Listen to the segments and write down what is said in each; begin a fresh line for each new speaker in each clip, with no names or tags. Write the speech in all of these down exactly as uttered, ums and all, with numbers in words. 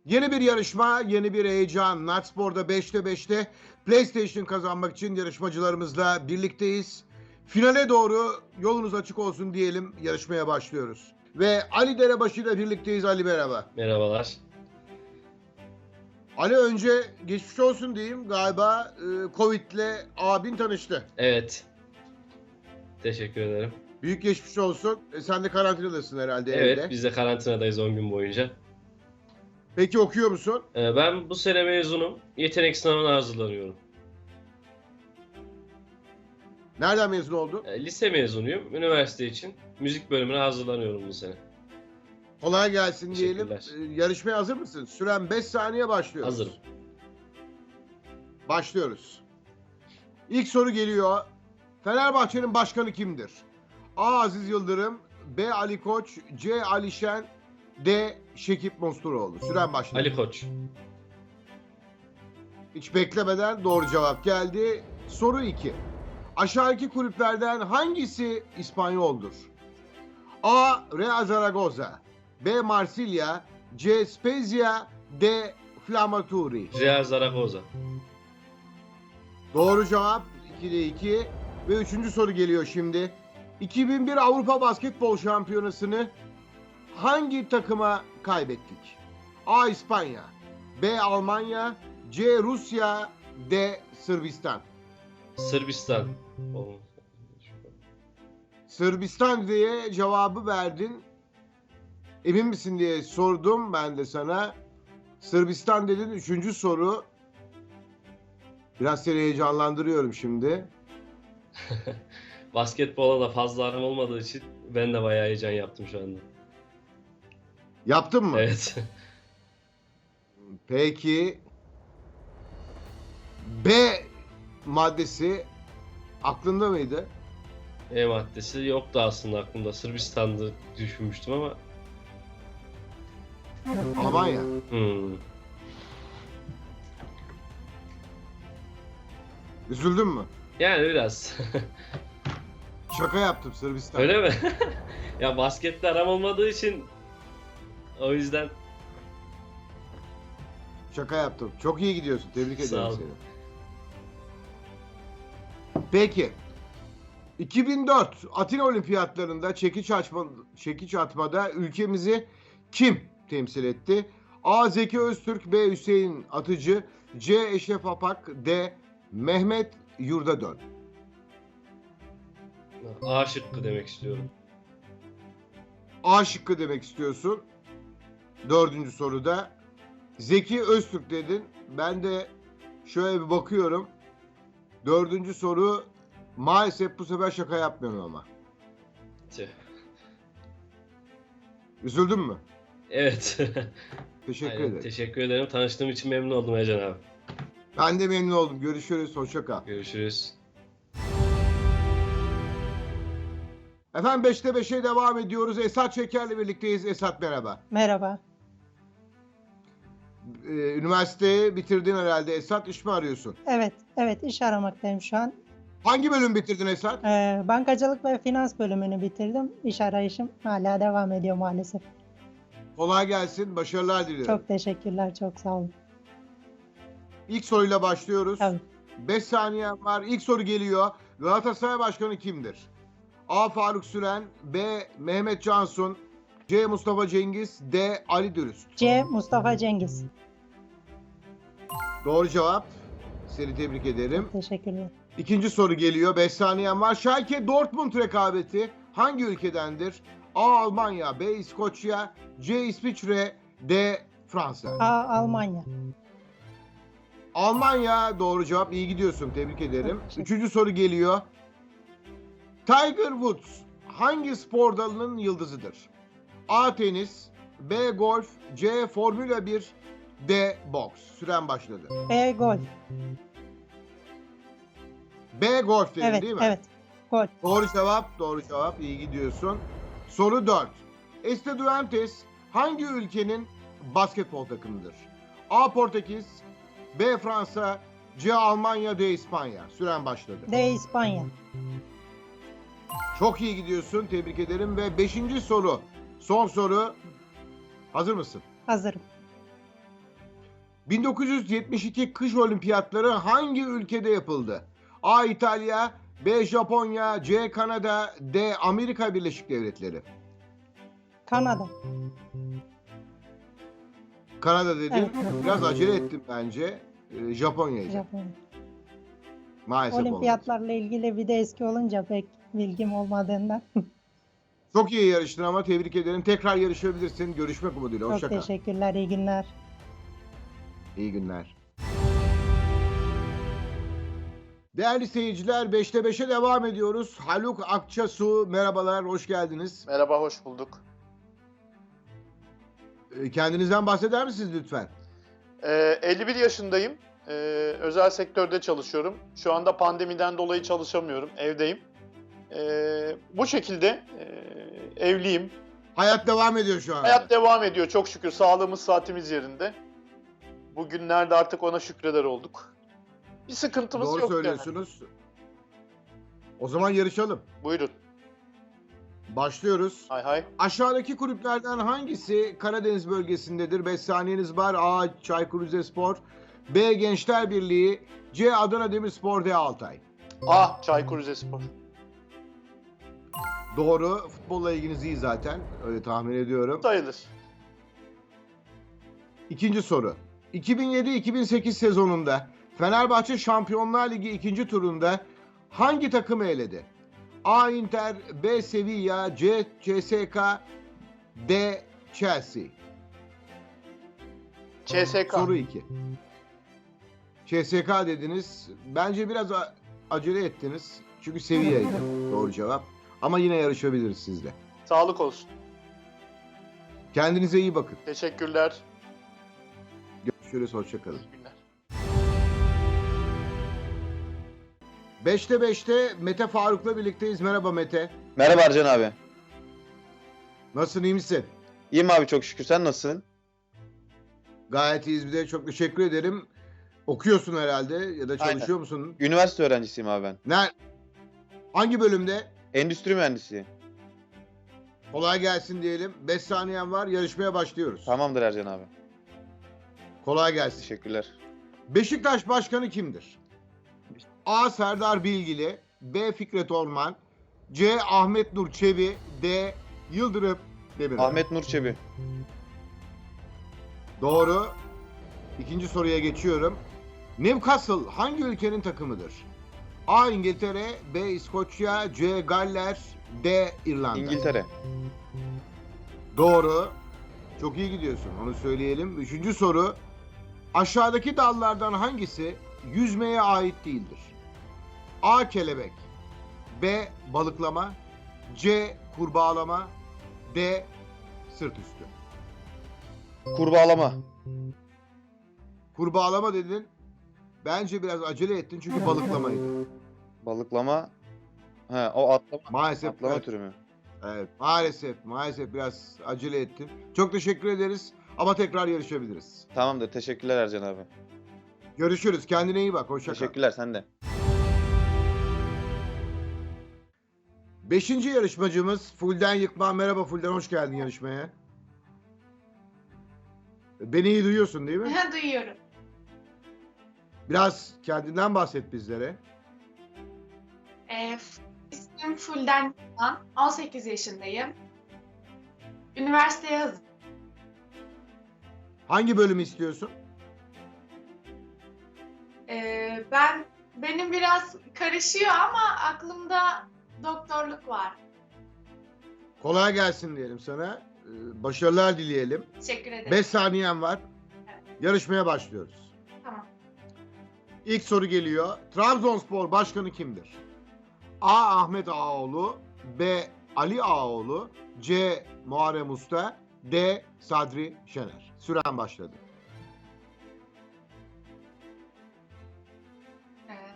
Yeni bir yarışma, yeni bir heyecan. Natspor'da beşte beşte PlayStation kazanmak için yarışmacılarımızla birlikteyiz. Finale doğru yolunuz açık olsun diyelim, yarışmaya başlıyoruz. Ve Ali Derebaşı ile birlikteyiz. Ali, merhaba.
Merhabalar.
Ali, önce geçmiş olsun diyeyim. Galiba e, Covid'le abin tanıştı.
Evet. Teşekkür ederim.
Büyük geçmiş olsun. E, sen de karantinadasın herhalde
Evet,
evde.
biz de karantinadayız on gün boyunca.
Peki okuyor musun?
Ee, ben bu sene mezunum. Yetenek sınavına hazırlanıyorum.
Nereden mezun oldun?
Ee, lise mezunuyum. Üniversite için müzik bölümüne hazırlanıyorum bu sene.
Kolay gelsin diyelim.
Teşekkürler.
E, yarışmaya hazır mısın? Süren beş saniye, başlıyoruz.
Hazırım.
Başlıyoruz. İlk soru geliyor. Fenerbahçe'nin başkanı kimdir? A. Aziz Yıldırım, B. Ali Koç, C. Ali Şen, D. Şekip Mosturoğlu. Süren başladı.
Ali Koç.
Hiç beklemeden doğru cevap geldi. Soru iki. Aşağıdaki kulüplerden hangisi İspanyoldur? A. Real Zaragoza, B. Marsilya, C. Spezia, D. Flamaturi.
Real Zaragoza.
Doğru cevap. ikide iki. Ve üçüncü soru geliyor şimdi. iki bin bir Avrupa Basketbol Şampiyonası'nı hangi takıma kaybettik? A. İspanya, B. Almanya, C. Rusya, D. Sırbistan.
Sırbistan.
Sırbistan diye cevabı verdin. Emin misin diye sordum ben de sana. Sırbistan dedin. Üçüncü soru. Biraz seni heyecanlandırıyorum şimdi.
Basketbola da fazla aram olmadığı için ben de bayağı heyecan yaptım şu anda.
Yaptın mı?
Evet.
Peki. B maddesi aklında mıydı?
E maddesi yoktu aslında aklımda. Sırbistan'dı düşünmüştüm ama.
Almanya.
Hmm.
Üzüldün mü?
Yani biraz.
Şaka yaptım, Sırbistan.
Öyle mi? Ya basketle aram olmadığı için o yüzden.
Şaka yaptım. Çok iyi gidiyorsun. Tebrik
Sağ
ederim
ol.
seni. Peki. iki bin dört Atina Olimpiyatlarında çekiç açma, çekiç atmada ülkemizi kim temsil etti? A. Zeki Öztürk, B. Hüseyin Atıcı, C. Eşref Apak, D. Mehmet Yurdadön.
A şıkkı demek istiyorum.
A şıkkı demek istiyorsun. Dördüncü soruda Zeki Öztürk dedin. Ben de şöyle bir bakıyorum. Dördüncü soru, maalesef bu sefer şaka yapmıyorum ama.
Tüh.
Üzüldün mü?
Evet.
Teşekkür
Aynen,
ederim.
teşekkür ederim. Tanıştığım için memnun oldum Ercan abi.
Ben de memnun oldum. Görüşürüz. Hoşça kal.
Görüşürüz.
Efendim, beşte beşe devam ediyoruz. Esat Şeker'le birlikteyiz. Esat, merhaba.
Merhaba.
Ee, üniversiteyi bitirdin herhalde. Esat, iş mi arıyorsun?
Evet, evet iş aramaktayım şu an.
Hangi bölüm bitirdin Esat?
Ee, bankacılık ve finans bölümünü bitirdim. İş arayışım hala devam ediyor maalesef.
Kolay gelsin. Başarılar diliyorum.
Çok teşekkürler, çok sağ olun.
İlk soruyla başlıyoruz.
Tabii.
beş saniyen var. İlk soru geliyor. Galatasaray Başkanı kimdir? A. Faruk Süren, B. Mehmet Cansun, C. Mustafa Cengiz, D. Ali Dürüst.
C. Mustafa Cengiz.
Doğru cevap. Seni tebrik ederim.
Teşekkürler.
İkinci soru geliyor. beş saniyen var. Schalke Dortmund rekabeti hangi ülkedendir? A. Almanya, B. İskoçya, C. İsviçre, D. Fransa.
A. Almanya.
Almanya doğru cevap. İyi gidiyorsun. Tebrik ederim.
Teşekkür.
Üçüncü soru geliyor. Tiger Woods hangi spor dalının yıldızıdır? A. Tenis, B. Golf, C. Formula bir, D. Boks. Süren başladı.
B. Golf.
B. Golf dedin
Evet,
değil mi?
evet. Golf.
Doğru cevap. Doğru cevap. İyi gidiyorsun. Soru dört. Estudiantes hangi ülkenin basketbol takımıdır? A. Portekiz, B. Fransa, C. Almanya, D. İspanya. Süren başladı.
D. İspanya.
Çok iyi gidiyorsun. Tebrik ederim. Ve beşinci soru. Son soru. Hazır mısın?
Hazırım.
bin dokuz yüz yetmiş iki kış olimpiyatları hangi ülkede yapıldı? A. İtalya, B. Japonya, C. Kanada, D. Amerika Birleşik Devletleri.
Kanada.
Kanada dedin.
Evet.
Biraz acele ettim bence. Ee, Japonya'ydı.
Japonya.
Maalesef olmadı.
Olimpiyatlarla ilgili bir de eski olunca pek bilgim olmadığından.
Çok iyi yarıştın ama tebrik ederim. Tekrar yarışabilirsin. Görüşmek umuduyla. Hoşça
Çok
kal.
teşekkürler, iyi günler.
İyi günler. Değerli seyirciler, beşte beşe devam ediyoruz. Haluk Akçasu, merhabalar, hoş geldiniz.
Merhaba, hoş bulduk.
Ee, Kendinizden bahseder misiniz lütfen?
Ee, elli bir yaşındayım. Ee, özel sektörde çalışıyorum. Şu anda pandemiden dolayı çalışamıyorum, evdeyim. Ee, bu şekilde e, evliyim.
Hayat devam ediyor şu an.
Hayat devam ediyor çok şükür. Sağlığımız, saatimiz yerinde. Bugünlerde artık ona şükreder olduk. Bir sıkıntımız
Doğru
yok
söylüyorsunuz. O zaman yarışalım.
yani. Buyurun.
Başlıyoruz.
Hay hay.
Aşağıdaki kulüplerden hangisi Karadeniz bölgesindedir? beş saniyeniz var. A. Çaykur Rizespor, B. Gençler Birliği, C. Adana Demirspor, D. Altay.
Ah, Çaykur Rizespor.
Doğru. Futbolla ilginiz iyi zaten. Öyle tahmin ediyorum.
Sayılır.
İkinci soru. iki bin yedi iki bin sekiz sezonunda Fenerbahçe Şampiyonlar Ligi ikinci turunda hangi takımı eledi? A. Inter, B. Sevilla, C. C S K, D. Chelsea.
C S K.
Soru iki. C S K dediniz. Bence biraz a- acele ettiniz. Çünkü Sevilla'ydı doğru cevap. Ama yine yarışabiliriz sizle.
Sağlık olsun.
Kendinize iyi bakın.
Teşekkürler.
Görüşürüz. Hoşçakalın.
İyi günler.
beşte beşte Mete Faruk'la birlikteyiz. Merhaba Mete.
Merhaba Ercan abi.
Nasılsın, iyi misin?
İyiyim abi çok şükür. Sen nasılsın?
Gayet iyiyiz, bir de çok teşekkür ederim. Okuyorsun herhalde ya da çalışıyor
Aynen.
musun?
Üniversite öğrencisiyim abi ben.
Ne? Hangi bölümde?
Endüstri mühendisiyim.
Kolay gelsin diyelim. beş saniyen var. Yarışmaya başlıyoruz.
Tamamdır Ercan abi.
Kolay gelsin.
Teşekkürler.
Beşiktaş Başkanı kimdir? A. Serdar Bilgili, B. Fikret Orman, C. Ahmet Nur Çebi, D. Yıldırım Demirören.
Ahmet Nur Çebi.
Doğru. İkinci soruya geçiyorum. Newcastle hangi ülkenin takımıdır? A. İngiltere, B. İskoçya, C. Galler, D. İrlanda.
İngiltere.
Doğru. Çok iyi gidiyorsun, onu söyleyelim. Üçüncü soru. Aşağıdaki dallardan hangisi yüzmeye ait değildir? A. Kelebek, B. Balıklama, C. Kurbağalama, D. Sırt üstü.
Kurbağalama.
Kurbağalama dedin. Bence biraz acele ettin çünkü balıklamaydı.
Balıklama. He, o atlama.
Maalesef.
Atlama
evet,
türü mü?
evet, maalesef, maalesef biraz acele ettin. Çok teşekkür ederiz ama tekrar yarışabiliriz.
Tamamdır. Teşekkürler Ercan abi.
Görüşürüz. Kendine iyi bak. Hoşça kal.
Teşekkürler sen de.
Beşinci yarışmacımız Fulden Yıkman. Merhaba Fulden, hoş geldin yarışmaya. Beni iyi duyuyorsun değil mi?
Duyuyorum.
Biraz kendinden bahset bizlere.
Ee, ismim Fulden Yılan. on sekiz yaşındayım. Üniversiteye hazır.
Hangi bölümü istiyorsun?
Ee, ben benim biraz karışıyor ama aklımda doktorluk var.
Kolay gelsin diyelim sana. Ee, Başarılar dileyelim.
Teşekkür ederim.
beş saniyen var. Yarışmaya başlıyoruz.
Tamam.
İlk soru geliyor. Trabzonspor başkanı kimdir? A. Ahmet Ağaoğlu, B. Ali Ağaoğlu, C. Muharrem Usta, D. Sadri Şener. Süren başladı.
Ee,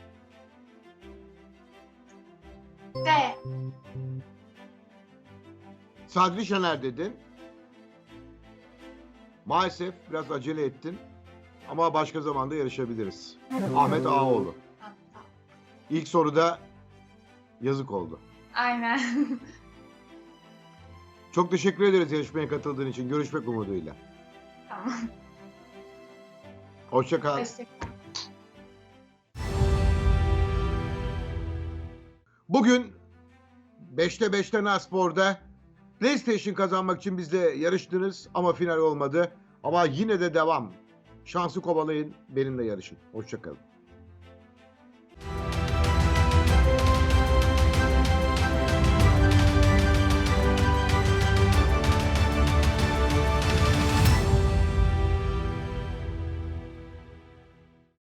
D.
Sadri Şener dedin. Maalesef biraz acele ettin. Ama başka zamanda yarışabiliriz. Ahmet Ağaoğlu.
Ha, tamam.
İlk soruda yazık oldu.
Aynen.
Çok teşekkür ederiz yarışmaya katıldığın için. Görüşmek umuduyla.
Tamam.
Hoşça kal.
Teşekkür.
Bugün beşte beşte Naspor'da PlayStation kazanmak için bizle yarıştınız ama final olmadı. Ama yine de devam. Şansı kovalayın, benimle yarışın. Hoşça kalın.